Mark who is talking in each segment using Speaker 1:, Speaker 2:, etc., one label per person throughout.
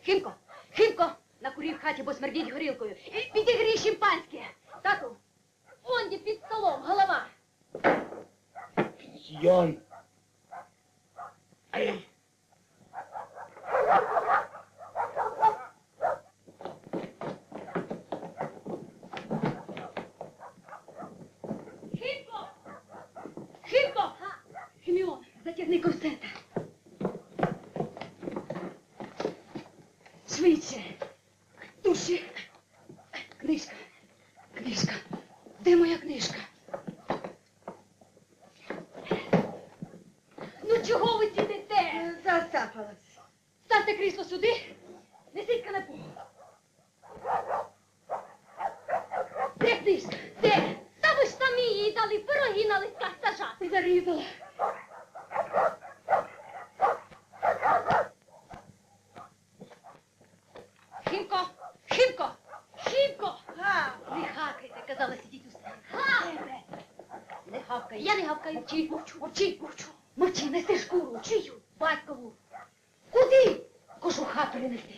Speaker 1: Химко, Химко, накурив в хаті, бо смердіть горілкою. І підігрій шимпанське. Тату, онді під столом, голова.
Speaker 2: Пенсіон. Ай.
Speaker 1: Химко! Химко! Химіон, затягни корсета. Швидше. Душі. Книжка. Книжка. Де моя книжка? Ну чого ви сидите?
Speaker 3: Засапалась.
Speaker 1: Ставте крісло сюди. Несіть канапу. Де книжка? Де?
Speaker 4: Та ви ж самі їй дали пироги на листках сажати.
Speaker 1: Зарізала. Химко! Химко! Химко! Не хакайте, казала, сидіть у столі. Не хавкай.
Speaker 4: Я не гавкаю.
Speaker 1: Мовчи, мовчи, мовчу. Мовчи, неси шкуру. Чию? Батькову. Куди? Кошу хату не неси.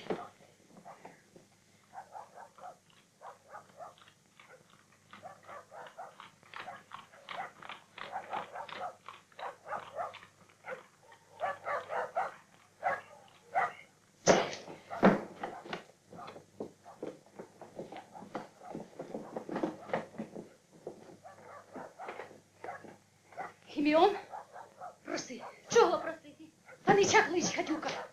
Speaker 1: Хіміон, проси.
Speaker 4: Чого просити?
Speaker 1: Панича клич, Хатюка.